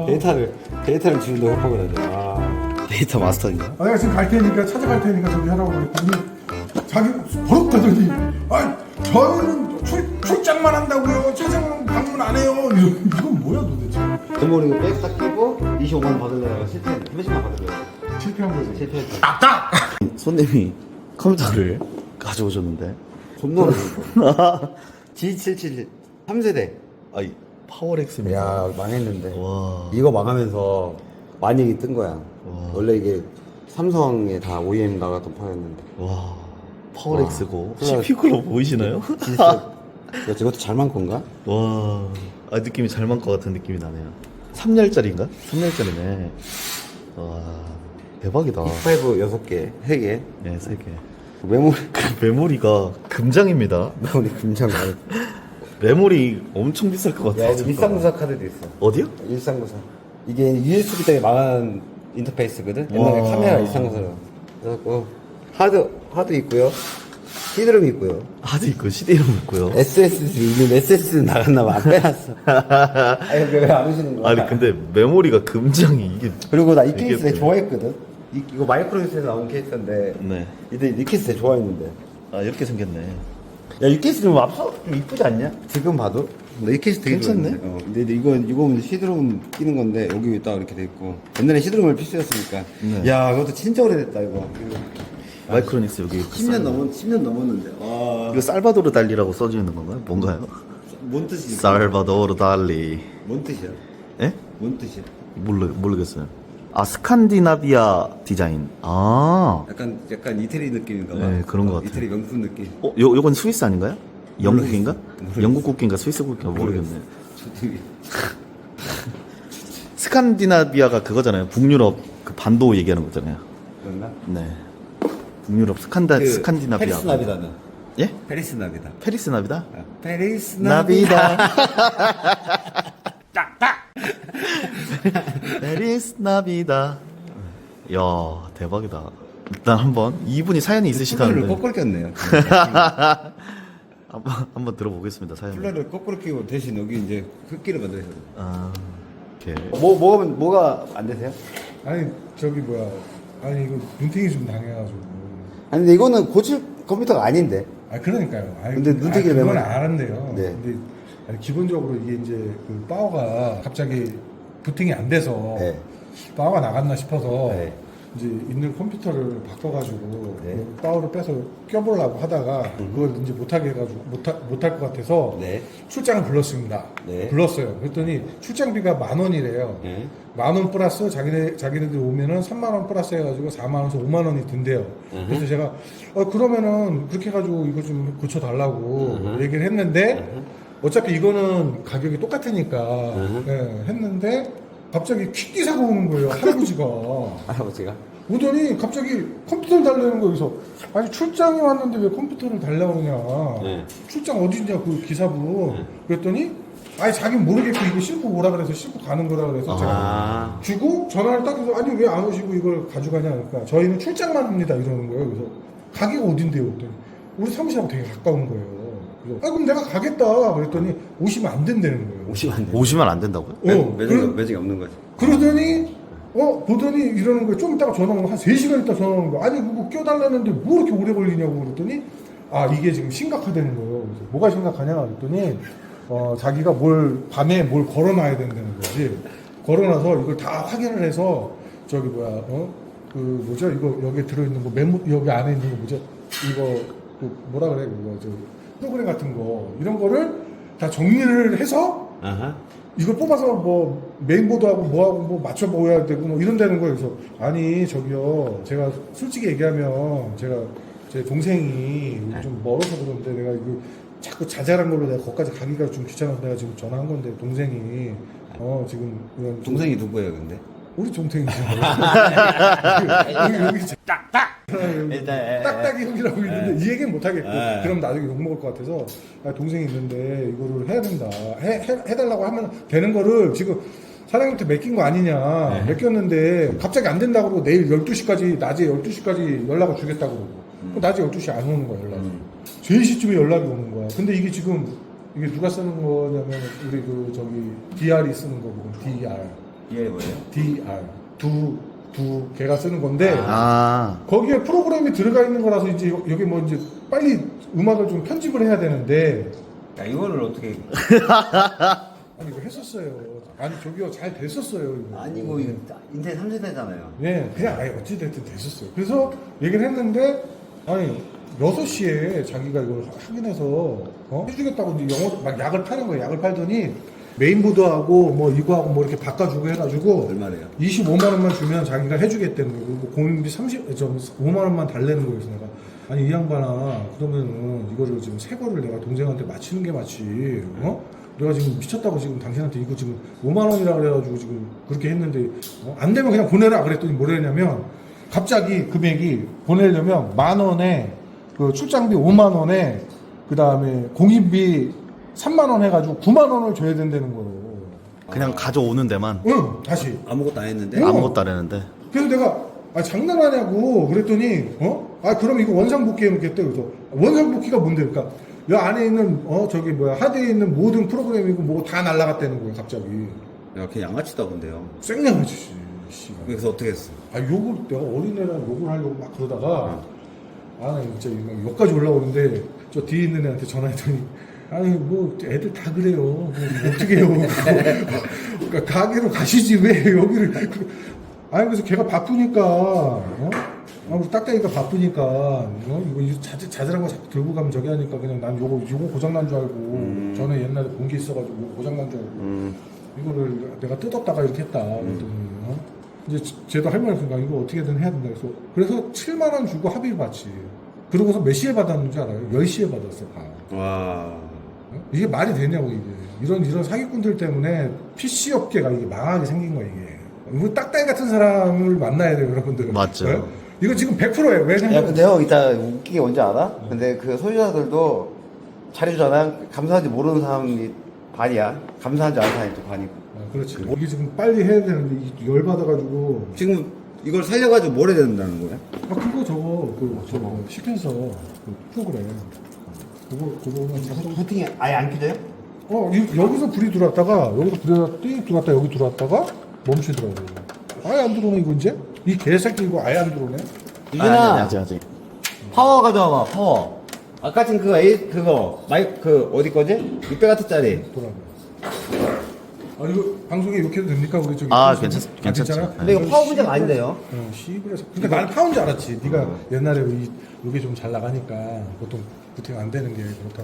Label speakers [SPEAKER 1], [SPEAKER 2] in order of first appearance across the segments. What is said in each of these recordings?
[SPEAKER 1] 데이터를 지운다고 협박을 하네. 아.
[SPEAKER 2] 데이터 마스터인가?
[SPEAKER 3] 내가 지금 갈 테니까 찾아갈 테니까 저기 하라고 그랬더니 자기 버럭하더니 저희는 출장만 한다고요. 찾아오는 방문 안 해요. 이건 뭐야 도대체.
[SPEAKER 1] 메모리 이거 백스 딱 끼고 25만 원 받으려다가 실패했네. 30만 받으려고.
[SPEAKER 3] 실패한 거지.
[SPEAKER 1] 실패했어.
[SPEAKER 2] 손님이 컴퓨터를 가져오셨는데
[SPEAKER 1] 존나 어려워. G777 3세대.
[SPEAKER 2] 아이 파워렉스입니다.
[SPEAKER 1] 야 망했는데.
[SPEAKER 2] 와.
[SPEAKER 1] 이거 망하면서 많이 뜬 거야.
[SPEAKER 2] 와.
[SPEAKER 1] 원래 이게 삼성에 다 OEM 나갔던 판이었는데.
[SPEAKER 2] 와 파워렉스고
[SPEAKER 1] 와.
[SPEAKER 2] CPU로 보이시나요?
[SPEAKER 1] 진짜. 야, 저것도 잘 만 건가?
[SPEAKER 2] 와, 아 느낌이 잘 맞을 것 같은 느낌이 나네요. 3열짜리인가? 3열짜리네. 와, 대박이다.
[SPEAKER 1] 5 6개, 3개.
[SPEAKER 2] 네, 3개.
[SPEAKER 1] 메모리,
[SPEAKER 2] 메모리가 금장입니다.
[SPEAKER 1] 메모리 금장 많이.
[SPEAKER 2] 메모리 엄청 비쌀 것 같아요.
[SPEAKER 1] 야, 일상구사 카드도 있어.
[SPEAKER 2] 어디요?
[SPEAKER 1] 일상구사. 이게 USB 때문에 망한 인터페이스거든? 옛날에
[SPEAKER 2] 와.
[SPEAKER 1] 카메라 일상구사로. 그래갖고, 하드 있고요. CD롬 있고요.
[SPEAKER 2] 하드 있고 CD롬 있고요.
[SPEAKER 1] SSD 있는데 SSD는 나갔나봐. 안 빼놨어. 아니, 왜안 오시는 거야?
[SPEAKER 2] 아니 근데 메모리가 금장이 이게
[SPEAKER 1] 그리고 나 이
[SPEAKER 2] 이게
[SPEAKER 1] 케이스 되게
[SPEAKER 2] 또-
[SPEAKER 1] 좋아했거든? 이거 마이크로에서 나온 케이스인데.
[SPEAKER 2] 네.
[SPEAKER 1] 이 케이스 되게 좋아했는데.
[SPEAKER 2] 아 이렇게 생겼네.
[SPEAKER 1] 야, 이 케이스 좀 좀 이쁘지 않냐? 지금 봐도? 이 케이스 되게
[SPEAKER 2] 괜찮네?
[SPEAKER 1] 좋아했는데. 근데 이거 시드롬 끼는 건데, 여기 딱 이렇게 돼 있고. 옛날에 시드롬을 필수였으니까.
[SPEAKER 2] 네.
[SPEAKER 1] 야, 그것도 진짜 오래됐다, 이거.
[SPEAKER 2] 마이크로닉스 여기
[SPEAKER 1] 10년 넘었는데. 아,
[SPEAKER 2] 이거 살바도르 달리라고 써져 있는 건가요? 뭔가요?
[SPEAKER 1] 뭔 뜻이지?
[SPEAKER 2] 살바도르 달리.
[SPEAKER 1] 뭔 뜻이야?
[SPEAKER 2] 예?
[SPEAKER 1] 뭔 뜻이야?
[SPEAKER 2] 모르겠어요. 아 스칸디나비아 디자인. 아.
[SPEAKER 1] 약간 이태리 느낌인가 봐.
[SPEAKER 2] 네, 그런 것 같아요.
[SPEAKER 1] 이태리 명품 느낌.
[SPEAKER 2] 요건 스위스 아닌가요? 영국인가?
[SPEAKER 1] 모르겠어요.
[SPEAKER 2] 영국 국기인가 스위스 국기인가 모르겠네.
[SPEAKER 1] 저기.
[SPEAKER 2] 스칸디나비아가 그거잖아요. 북유럽 그 반도 얘기하는 거잖아요.
[SPEAKER 1] 그런가?
[SPEAKER 2] 네. 북유럽 스칸디나비아.
[SPEAKER 1] 페리스 나비다는.
[SPEAKER 2] 예?
[SPEAKER 1] 페리스 나비다.
[SPEAKER 2] 페리스 나비다?
[SPEAKER 1] 페리스
[SPEAKER 2] 나비다. 페리스 나비다. 야 대박이다. 일단 한번 이분이 사연이
[SPEAKER 1] 플러를
[SPEAKER 2] 있으시다는데
[SPEAKER 1] 거꾸로 꼈네요.
[SPEAKER 2] 한번 들어보겠습니다 사연.
[SPEAKER 1] 플러를 거꾸로 끼고 대신 여기 이제 흙기를 만들어야 돼.
[SPEAKER 2] 아 오케이.
[SPEAKER 1] 뭐가 안 되세요?
[SPEAKER 3] 아니 저기 뭐야. 아니 이거 눈탱이 좀 당해가지고.
[SPEAKER 1] 아니 근데 이거는 고칠 컴퓨터가 아닌데.
[SPEAKER 3] 아 그러니까요. 아니,
[SPEAKER 1] 근데 눈탱이를
[SPEAKER 3] 그건
[SPEAKER 1] 왜
[SPEAKER 3] 알았네요.
[SPEAKER 1] 네.
[SPEAKER 3] 근데 아니, 기본적으로 이게 이제 그 파워가 갑자기 부팅이 안 돼서
[SPEAKER 1] 네.
[SPEAKER 3] 파워가 나갔나 싶어서
[SPEAKER 1] 네.
[SPEAKER 3] 이제 있는 컴퓨터를 바꿔가지고
[SPEAKER 1] 네.
[SPEAKER 3] 그 파워를 빼서 껴보려고 하다가 그걸 이제 못하게 해가지고 못할 것 같아서
[SPEAKER 1] 네.
[SPEAKER 3] 출장을 불렀습니다.
[SPEAKER 1] 네.
[SPEAKER 3] 불렀어요. 그랬더니 출장비가 10,000원이래요.
[SPEAKER 1] 네.
[SPEAKER 3] 10,000원 플러스 자기네들 오면은 30,000원 플러스 해가지고 40,000원에서 50,000원이 든대요. 그래서 제가 그러면은 그렇게 해가지고 이거 좀 고쳐달라고 얘기를 했는데 어차피 이거는 가격이 똑같으니까 예, 했는데 갑자기 퀵기사가 오는 거예요. 할아버지가.
[SPEAKER 1] 할아버지가.
[SPEAKER 3] 오더니 갑자기 컴퓨터를 달라는 거예요. 그래서 아니 출장이 왔는데 왜 컴퓨터를 달라고 그러냐.
[SPEAKER 1] 네.
[SPEAKER 3] 출장 어디냐 그 기사분. 그랬더니 아니 자기는 모르겠고 이거 싣고 오라 그래서 싣고 가는 거라 그래서 제가
[SPEAKER 1] 아.
[SPEAKER 3] 주고 전화를 딱 해서 아니 왜 안 오시고 이걸 가져가냐. 그러니까 저희는 출장만 합니다 이러는 거예요. 그래서 가게가 어딘데요? 그랬더니 우리 사무실하고 되게 가까운 거예요. 그래서 그럼 내가 가겠다 그랬더니 오시면 안 된다는 거예요.
[SPEAKER 1] 오시면 안 돼.
[SPEAKER 2] 오시면 안 된다고요?
[SPEAKER 1] 매직이 없는 거지.
[SPEAKER 3] 그러더니 보더니 이러는 거예요. 좀 이따가 전화 오면 한 3시간 있다 전화 오는 거예요. 아니 그거 껴달라는데 뭐 이렇게 오래 걸리냐고 그랬더니 아 이게 지금 심각하다는 거예요. 그래서 뭐가 심각하냐 그랬더니 자기가 밤에 뭘 걸어놔야 된다는 거지. 걸어놔서 이걸 다 확인을 해서 저기 뭐야 그 뭐죠 이거 여기 들어있는 거 여기 안에 있는 거 뭐죠 이거 그 뭐라 그래 그거 저 프로그램 같은 거 이런 거를 다 정리를 해서
[SPEAKER 1] 아하.
[SPEAKER 3] 이걸 뽑아서 뭐 메인보드하고 뭐하고 뭐 맞춰보아야 되고 뭐 이런다는 거예요. 그래서 아니 저기요 제가 솔직히 얘기하면 제가 제 동생이 좀 멀어서 그런데 내가 이거 자꾸 자잘한 걸로 내가 거기까지 가기가 좀 귀찮아서 내가 지금 전화한 건데 동생이 지금 이런
[SPEAKER 1] 동생이 누구예요, 근데?
[SPEAKER 3] 우리 동생이죠. 여기
[SPEAKER 1] 일단
[SPEAKER 3] 딱딱이 형이라고 있는데 이 얘기는 못 하겠고
[SPEAKER 1] 네.
[SPEAKER 3] 그럼 나중에 욕 먹을 것 같아서 동생이 있는데 이거를 해야 된다 해달라고 하면 되는 거를 지금 사장님한테 맡긴 거 아니냐 맡겼는데 갑자기 안 된다고 그러고 내일 12시까지 낮에 12시까지 연락을 주겠다고 그러고 그럼 낮에 12시 안 오는 거야 연락이 3시쯤에 연락이 오는 거야 근데 이게 지금 이게 누가 쓰는 거냐면 우리 그 저기 DR이 쓰는 거고 DR
[SPEAKER 1] 이게 뭐예요?
[SPEAKER 3] DR 두 개가 쓰는 건데
[SPEAKER 2] 아,
[SPEAKER 3] 거기에 프로그램이 들어가 있는 거라서 이제 여기 뭐 이제 빨리 음악을 좀 편집을 해야 되는데
[SPEAKER 1] 야, 이거를 어떻게.
[SPEAKER 3] 아니 이거 했었어요. 아니 저기요 잘 됐었어요. 이거.
[SPEAKER 1] 아니, 뭐, 이거 인터넷 3세대잖아요.
[SPEAKER 3] 네, 그냥 아예 어찌됐든 됐었어요. 그래서 얘기를 했는데, 아니, 6시에 자기가 이걸 확인해서, 해주겠다고 이제 영어, 막 약을 파는 거예요. 약을 팔더니, 메인보드하고 뭐 이거하고 뭐 이렇게 바꿔주고 해가지고,
[SPEAKER 1] 얼마래요?
[SPEAKER 3] 25만원만 주면 자기가 해주겠다는 거예요. 그리고 공인비 5만원만 달래는 거예요. 그래서 내가, 아니, 이 양반아, 그러면은 이거를 지금 새 거를 내가 동생한테 맞히는 게 맞지, 내가 지금 미쳤다고 지금 당신한테 이거 지금 5만원이라 그래가지고 지금 그렇게 했는데 안 되면 그냥 보내라 그랬더니 뭐랬냐면 갑자기 금액이 보내려면 10,000원에 그 출장비 5만원에 그 다음에 공인비 3만원 해가지고 9만원을 줘야 된다는 거예요.
[SPEAKER 2] 그냥 가져오는 데만
[SPEAKER 3] 응, 다시.
[SPEAKER 1] 아무것도 안 했는데?
[SPEAKER 3] 응.
[SPEAKER 2] 아무것도 안 했는데.
[SPEAKER 3] 그래서 내가 장난하냐고 그랬더니 그럼 이거 원상복귀 해놓겠대. 그래서 원상복귀가 뭔데? 그러니까 이 안에 있는 저기 뭐야 하드에 있는 모든 프로그램이고 뭐 다 날라갔다는 거예요 갑자기.
[SPEAKER 1] 야, 걔 양아치다, 근데요.
[SPEAKER 3] 생양아치 씨발.
[SPEAKER 1] 그래서 어떻게 했어?
[SPEAKER 3] 욕을 내가 어린애랑 욕을 하려고 막 그러다가 나 진짜 막 욕까지 올라오는데 저 뒤에 있는 애한테 전화했더니 아니 뭐 애들 다 그래요. 뭐 어떻게 해요? 그러니까 가게로 가시지 왜 여기를 아니 그래서 걔가 바쁘니까 아무튼 딱딱이가 바쁘니까 이거 자잘한 거 자꾸 들고 가면 저기 하니까 그냥 난 요거 고장난 줄 알고 전에 옛날에 본 게 있어가지고 고장난 줄 알고 이거를 내가 뜯었다가 이렇게 했다 그랬더니 이제 쟤도 할 말이 없으니까 이거 어떻게든 해야 된다 그래서 7만원 주고 합의를 받지. 그러고서 몇 시에 받았는지 알아요? 10시에 받았어 다.
[SPEAKER 1] 와.
[SPEAKER 3] 이게 말이 되냐고 이게 이런 사기꾼들 때문에 PC 업계가 이게 망하게 생긴 거야 이게. 이거 딱딱이 같은 사람을 만나야 돼요 여러분들.
[SPEAKER 2] 맞죠.
[SPEAKER 3] 네? 이거 지금 100%예요.
[SPEAKER 1] 야,
[SPEAKER 3] 왜냐면
[SPEAKER 1] 근데 형, 이따 웃기게 뭔지 알아? 근데 그 소유자들도 잘해주잖아? 감사한지 모르는 사람이 반이야. 감사한지 아는 사람이 또 반이고.
[SPEAKER 3] 그렇지. 이게 지금 빨리 해야 되는데 이게 열받아가지고
[SPEAKER 1] 지금 이걸 살려가지고 뭘 해야 된다는 거야?
[SPEAKER 3] 그거 저거 시켜서 그 프로그램 그거만 자꾸
[SPEAKER 1] 부팅이 아예 안 켜져요?
[SPEAKER 3] 여기서 불이 들어왔다가 여기서 불이 들어왔다 여기 들어왔다가 멈추더라고요. 아예 안 들어오네 이거 이제 이 개새끼 이거 아예 안 들어오네.
[SPEAKER 1] 이준아,
[SPEAKER 2] 아직.
[SPEAKER 1] 파워 가져와봐, 파워. 아까 지금 그거, 어디 거지? 600W짜리.
[SPEAKER 3] 돌아가. 이거 방송에 욕해도 됩니까 우리 저기?
[SPEAKER 2] 아,
[SPEAKER 3] 괜찮아?
[SPEAKER 2] 괜찮죠.
[SPEAKER 1] 근데 이거 파워 문제가 아닌데요?
[SPEAKER 3] 시골에서. 그러니까 나는 파운 줄 알았지. 네가 옛날에 이게 좀 잘 나가니까 보통 부팅 안 되는 게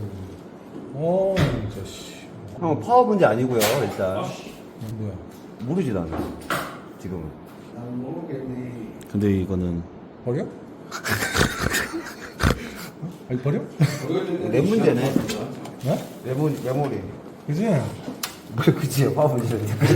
[SPEAKER 3] 그렇다고. 진짜 씨.
[SPEAKER 1] 형, 파워 문제 아니고요, 일단.
[SPEAKER 3] 뭐야?
[SPEAKER 1] 모르지, 나는. 지금.
[SPEAKER 2] 근데 이거는
[SPEAKER 3] 버려? 아니 버려?
[SPEAKER 1] 내 문제네.
[SPEAKER 3] 어?
[SPEAKER 1] 메모리.
[SPEAKER 3] 그지?
[SPEAKER 1] 뭘 그치요, 파워 문제.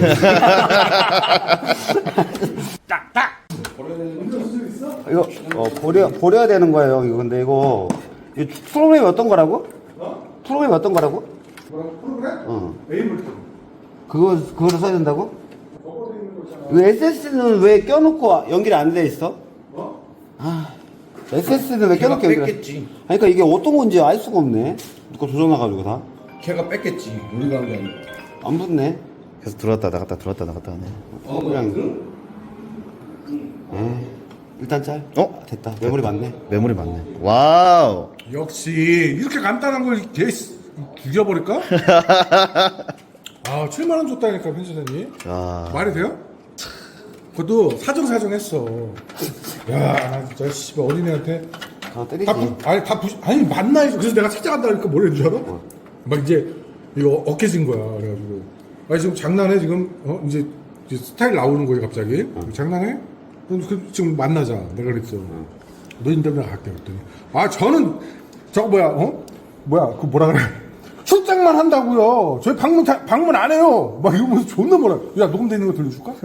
[SPEAKER 1] 이거, 버려야 되는 거예요, 이거. 근데 이거 프로그램이 어떤 거라고? 프로그램이 어떤 거라고?
[SPEAKER 3] 뭐라고 프로그램?
[SPEAKER 1] 어.
[SPEAKER 3] 에이블.
[SPEAKER 1] 그거를 써야 된다고? 이 SS는 왜 껴놓고 연결이 안 돼 있어? SS는 왜 껴놓고 연결?
[SPEAKER 4] 뺐겠지.
[SPEAKER 1] 아니, 그러니까 이게 어떤 건지 알 수가 없네. 누가 조져놔가지고 다.
[SPEAKER 4] 걔가 뺐겠지. 우리가 한 게 아니고.
[SPEAKER 1] 안 붙네.
[SPEAKER 2] 계속 들어왔다 나갔다 들어왔다 나갔다 하네.
[SPEAKER 1] 그냥. 일단 짤. 됐다. 메모리 맞네.
[SPEAKER 2] 메모리 맞네. 와우.
[SPEAKER 3] 역시 이렇게 간단한 걸 개 죽여버릴까? 7만 원 줬다니까 편집자님.
[SPEAKER 2] 야.
[SPEAKER 3] 말이 돼요? 그것도 사정사정했어. 야, 나 진짜 씨발 어린애한테
[SPEAKER 1] 때리지.
[SPEAKER 3] 아니 만나 해서 그래서 내가 찾아간다 그러니까 뭘 했는 줄 알아? 막 이제 이거 억해진 거야. 그래가지고 지금 장난해 지금 이제 스타일 나오는 거예요 갑자기. 장난해? 그럼 지금 만나자. 내가 그랬어. 너 인터뷰 갈게 그랬더니 저는 저거 그 뭐라 그래? 출장만 한다고요. 저희 방문 안 해요. 막 이러면서 존나 뭐라. 야 녹음돼 있는 거 들려줄까?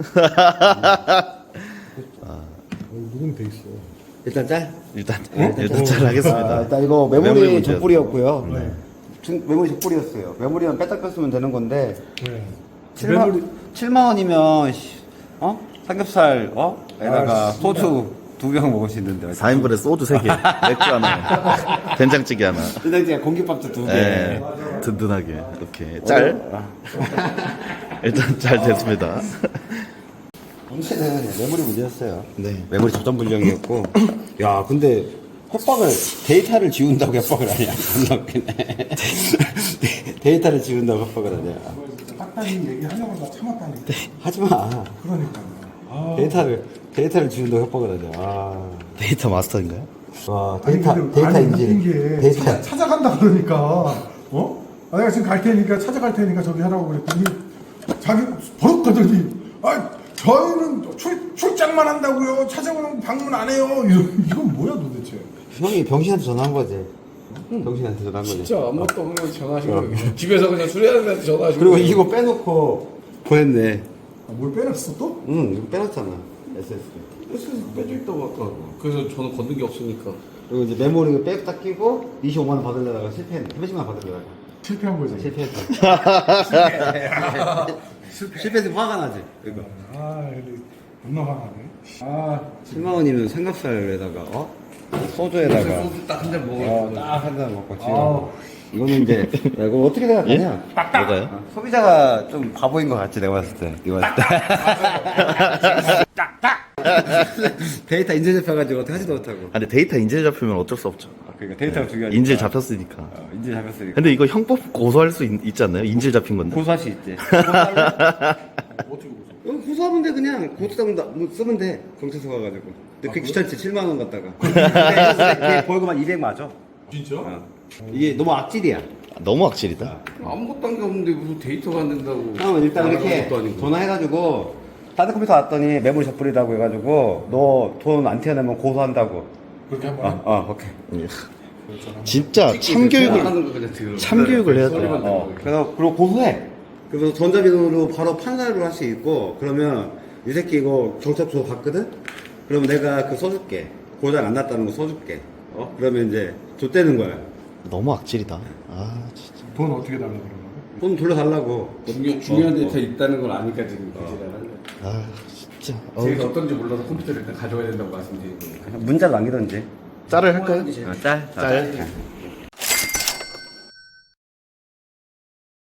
[SPEAKER 3] 녹음돼 있어.
[SPEAKER 1] 일단 짤.
[SPEAKER 2] 일단 잘 하겠습니다.
[SPEAKER 1] 일단 이거
[SPEAKER 2] 메모리
[SPEAKER 1] 메모리
[SPEAKER 2] 문제였어.
[SPEAKER 1] 적불이었고요. 메모리 적불이었어요. 메모리만 빼딱 뺐으면 되는 건데.
[SPEAKER 3] 네.
[SPEAKER 1] 7만 원이면 삼겹살 에다가 소주 2병 먹을 수 있는데
[SPEAKER 2] 4인분에 소주 3개, 맥주 하나, 된장찌개 하나.
[SPEAKER 1] 된장찌개 공깃밥도 2개.
[SPEAKER 2] 네, 든든하게. 오케이. 짤. 일단 잘 됐습니다.
[SPEAKER 1] 문제는 메모리 문제였어요.
[SPEAKER 2] 네.
[SPEAKER 1] 메모리 접점 불량이었고. 야, 근데 협박을 데이터를 지운다고 협박을 하냐? 겁나 웃기네. 데이터를 지운다고 협박을 하냐?
[SPEAKER 3] 딱딱이 얘기하려고 나 참았다니까.
[SPEAKER 1] 하지 마.
[SPEAKER 3] 그러니까요. 아.
[SPEAKER 1] 데이터를 지운다고 협박을 하냐? 아.
[SPEAKER 2] 데이터 마스터인가요?
[SPEAKER 1] 와,
[SPEAKER 3] 아니,
[SPEAKER 1] 데이터
[SPEAKER 3] 근데 아니, 웃긴
[SPEAKER 1] 인지.
[SPEAKER 3] 게
[SPEAKER 1] 데이터.
[SPEAKER 3] 찾아간다 그러니까 아, 내가 지금 갈 테니까 찾아갈 테니까 저기 하라고 그랬더니 자기 버럭 가더니 저희는 출장만 한다고요. 찾아오는 방문 안 해요. 이건 뭐야 도대체?
[SPEAKER 1] 형이 병신한테 전화한 거지. 병신한테 전화한 거지.
[SPEAKER 4] 진짜 아무것도 없는 전화하신 거예요. 집에서 그냥 수리하는 데한테 전화하신
[SPEAKER 1] 그리고
[SPEAKER 4] 거예요.
[SPEAKER 1] 이거 빼놓고 보냈네.
[SPEAKER 3] 뭘 빼놨어 또?
[SPEAKER 1] 응, 이거 빼놨잖아. SSD.
[SPEAKER 4] 그래서 빼져 있다고 아까. 그래서 저는 걷는 게 없으니까.
[SPEAKER 1] 그리고 이제 메모리 백다 끼고 25만 원 받으려다가 실패했네. 30만 원 받으려다가
[SPEAKER 3] 실패한 거지.
[SPEAKER 1] 실패했어. 실패해서 화가 나지. 이거.
[SPEAKER 3] 아, 겁나 화나네. 아,
[SPEAKER 1] 7만 원이면 삼겹살에다가 소주에다가
[SPEAKER 4] 소주 딱 한 잔 먹어.
[SPEAKER 1] 딱 한 잔 먹고 지금.
[SPEAKER 3] 아.
[SPEAKER 1] 이거는 이제 야, 이거 어떻게 생각하냐?
[SPEAKER 2] 뭐가요?
[SPEAKER 1] 소비자가 좀 바보인 것 같지 내가 봤을 때. 이거 봤을 때. 데이터 인쇄 잡혀가지고 어떻게 하지도 못하고.
[SPEAKER 2] 아, 근데 데이터 인질 잡히면 어쩔 수 없죠.
[SPEAKER 1] 그러니까 데이터가 중요하니까.
[SPEAKER 2] 인질 잡혔으니까.
[SPEAKER 1] 인질 잡혔으니까.
[SPEAKER 2] 근데 이거 형법 고소할 수 있지 않나요? 인질 잡힌 건데.
[SPEAKER 1] 고소할 수 있지. 고소하면 돼 그냥 고소장 쓰면 돼 경찰서 가가지고. 근데 그게 귀찮지 7만 원 갖다가. 근데 벌금 한 200 맞아.
[SPEAKER 3] 진짜?
[SPEAKER 1] 이게 너무 악질이야.
[SPEAKER 2] 너무 악질이다.
[SPEAKER 4] 아무것도 한 게 없는데 무슨 데이터가 안 된다고.
[SPEAKER 1] 형은 일단 이렇게
[SPEAKER 4] 아무것도 아니고.
[SPEAKER 1] 전화해가지고 다른 컴퓨터 왔더니 메모리 적불이라고 해가지고 너 돈 안 튀어내면 고소한다고.
[SPEAKER 3] 그렇게 한 번에?
[SPEAKER 1] 오케이.
[SPEAKER 2] 진짜
[SPEAKER 4] 참교육을
[SPEAKER 2] 참교육을 해야 돼.
[SPEAKER 4] 소리만 들어.
[SPEAKER 1] 그래서 그리고 고소해. 그래서 전자비로 바로 판사를 할 수 있고 그러면 이 새끼 이거 경찰서 갔거든. 그러면 내가 그 써줄게. 고장 안 났다는 거 써줄게. 그러면 이제 줬대는 거야.
[SPEAKER 2] 너무 악질이다. 아, 진짜.
[SPEAKER 3] 돈 어떻게 달라고 그러나?
[SPEAKER 1] 돈 돌려달라고.
[SPEAKER 4] 중요한 데이터 있다는 걸 아니까 지금 그지라는 거야.
[SPEAKER 2] 아, 진짜.
[SPEAKER 4] 제가 어떤지 몰라서 컴퓨터를 일단 가져와야 된다고 말씀드리는 거예요.
[SPEAKER 1] 문자를 남기던지.
[SPEAKER 2] 짤을 할까요?
[SPEAKER 1] 짤.
[SPEAKER 2] 짤.